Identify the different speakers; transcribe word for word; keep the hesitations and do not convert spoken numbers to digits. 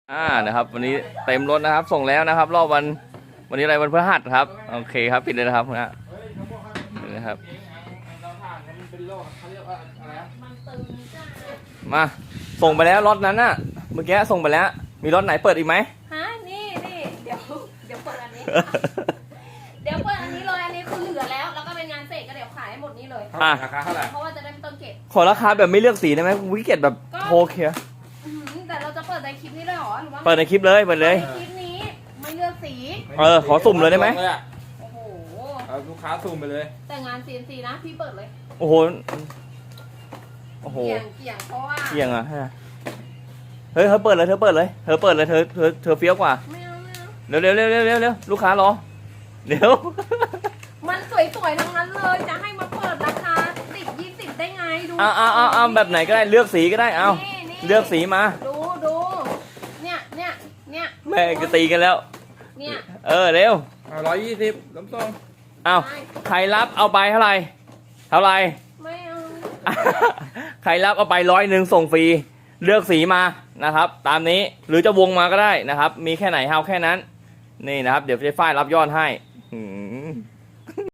Speaker 1: อ่านะครับวันนี้เต็มรถนะครับส่งแล้วนะครับรอบวันวันนี้อะไรวันพฤหัสครับโอเคครับปิดเลยนะครับนะนี่นะครับมาส่งไปแล้วรถนั้นน่ะเมื่อกี้ส่งไปแล้วมีรถไหนเปิดอีกไหม
Speaker 2: ฮะนี่นี่เดี๋ยวเดี๋ยวเปิดอันนี้ เดี๋ยวเปิดอันนี้เลยอันนี้คือเหลือแล้วแล้วก็เป็นงานเสร็จก็เดี๋ยวขายให้หมดนี้เลย
Speaker 1: อ่ะ
Speaker 3: ราคาเท่าไหร่
Speaker 2: เพราะว่าจะได้ไม่ต้องเก็บ
Speaker 1: ขอราคาแบบไม่เลือกสีได้ไหมวิกเก็ตแบบโทรเคลียร์
Speaker 2: อืมแต่เราจะเปิดในคลิปนี้เลยเหรอหรือว่า
Speaker 1: เปิดในคลิปเลยเปิดเลย
Speaker 2: ในคลิปนี้ไม่เลือกสี
Speaker 1: เออขอสุ่มเลยได้ไหม
Speaker 2: โอ้โห
Speaker 3: เอาลูกค้าสุ่มไปเลย
Speaker 2: แต่งาน ซี เอ็น ซี นะพี่เปิดเลย
Speaker 1: โอ้โหโอ้โห
Speaker 2: เกี่ยงเกี่ยงเพราะว่า
Speaker 1: เกี่ยงอ่ะเฮ้ยเธอเปิดเลยเธอเปิดเลยเธอเปิดเลยเธอเธอเธอเฟี้ยวกว่า
Speaker 2: ไม่เอาไม่เอา
Speaker 1: เร็วเร็วเร็วเร็วเร็วเร็วลูกค้ารอเดี๋ยว
Speaker 2: มันสวยๆทั้งนั้นเลยจะให้มาเปิดราคาสิบยี่สิบได้ไงดู
Speaker 1: เอาเอาเอาเอาแบบไหนก็ได้เลือกสีก็ได้เอา
Speaker 2: นี่นี่
Speaker 1: เลือกสีมา
Speaker 2: ดูดูเนี่ยเนี่ยเนี่ย
Speaker 1: แม่งจะตีกันแล้ว
Speaker 2: เนี่ย
Speaker 1: เออเร็ว
Speaker 3: เอาร้อยยี่สิบล้มตรง
Speaker 1: เอาใครรับเอาไปเท่าไหร่เท่าไหร่
Speaker 2: ไม่เอา
Speaker 1: ใครรับเอาไปร้อยหนึ่งส่งฟรีเลือกสีมานะครับ ตามนี้หรือจะวงมาก็ได้นะครับ มีแค่ไหนเอาแค่นั้นนี่นะครับ เดี๋ยวเจ๊ฝ้ายรับยอดให้อืม